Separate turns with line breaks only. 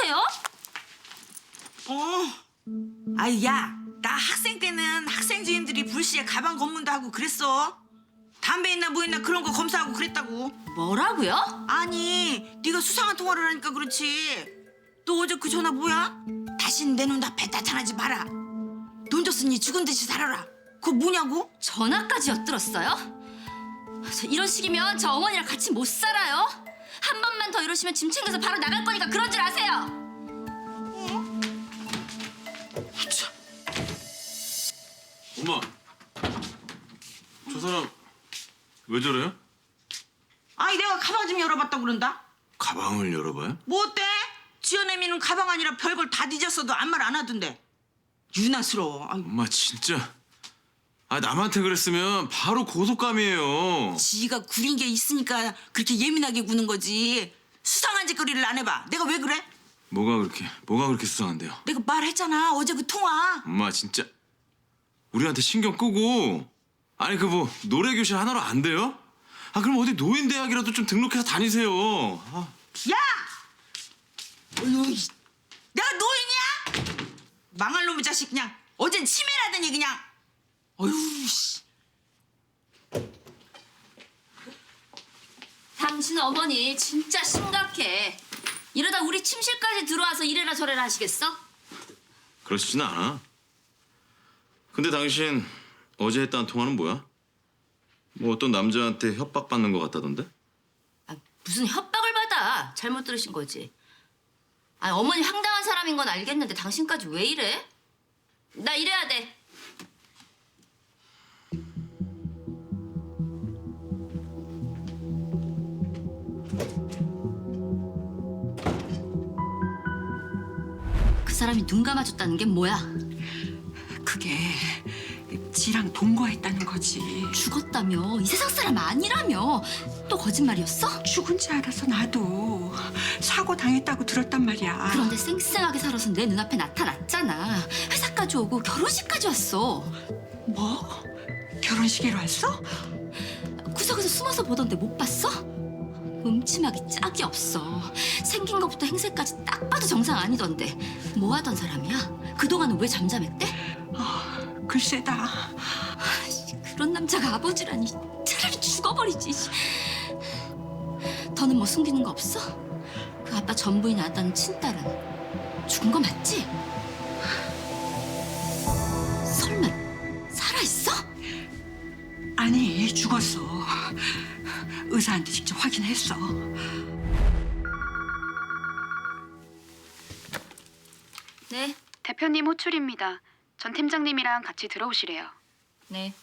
하세요?
아이 야, 나 학생 때는 학생 주임들이 불시에 가방 검문도 하고 그랬어. 담배 있나 뭐 있나 그런 거 검사하고 그랬다고.
뭐라고요?
아니, 네가 수상한 통화를 하니까 그렇지. 너 어제 그 전화 뭐야? 다신 내 눈앞에 나타나지 마라. 돈 줬으니 죽은 듯이 살아라. 그거 뭐냐고?
전화까지 엿들었어요? 이런 식이면 저 어머니랑 같이 못 살아요. 한 번만 더 이러시면 짐 챙겨서 바로 나갈 거니까 그런 줄 아세요.
엄마, 저 사람 왜 저래요?
아니 내가 가방 좀 열어봤다고 그런다.
가방을 열어봐요?
뭐 어때? 지어내미는 가방 아니라 별걸 다 뒤졌어도 아무 말 안 하던데. 유난스러워. 아이고.
엄마 진짜. 아 남한테 그랬으면 바로 고속감이에요.
지가 구린 게 있으니까 그렇게 예민하게 구는 거지. 수상한 짓거리를 안 해봐. 내가 왜 그래?
뭐가 그렇게 수상한데요?
내가 말했잖아. 어제 그 통화.
엄마 진짜 우리한테 신경 끄고 아니 그 뭐 노래 교실 하나로 안 돼요? 아 그럼 어디 노인대학이라도 좀 등록해서 다니세요. 아.
야! 어휴, 내가 노인이야? 망할 놈의 자식 그냥. 어젠 치매라더니 그냥. 어휴 씨.
당신 어머니 진짜 심각해. 이러다 우리 침실까지 들어와서 이래라 저래라 하시겠어?
그러시진 않아. 근데 당신 어제 했다는 통화는 뭐야? 뭐 어떤 남자한테 협박받는 것 같다던데?
아, 무슨 협박을 받아. 잘못 들으신 거지. 아, 어머니 황당한 사람인 건 알겠는데 당신까지 왜 이래? 나 이래야 돼. 그 사람이 눈 감아줬다는 게 뭐야?
그게 지랑 동거했다는 거지.
죽었다며. 이 세상 사람 아니라며. 또 거짓말이었어?
죽은 줄 알아서 나도 사고 당했다고 들었단 말이야.
그런데 쌩쌩하게 살아서 내 눈앞에 나타났잖아. 회사까지 오고 결혼식까지 왔어.
뭐? 결혼식에로 왔어?
구석에서 숨어서 보던데 못 봤어? 음침하기 짝이 없어. 생긴 것부터 행세까지 딱 봐도 정상 아니던데. 뭐 하던 사람이야? 그동안은 왜 잠잠했대?
글쎄다.
그런 남자가 아버지라니. 차라리 죽어버리지. 더는 뭐 숨기는 거 없어? 그 아빠 전부인 낳았다는 친딸은 죽은 거 맞지? 설마 살아있어?
아니, 죽었어. 의사한테 직접 확인했어.
네.
대표님 호출입니다. 전 팀장님이랑 같이 들어오시래요.
네.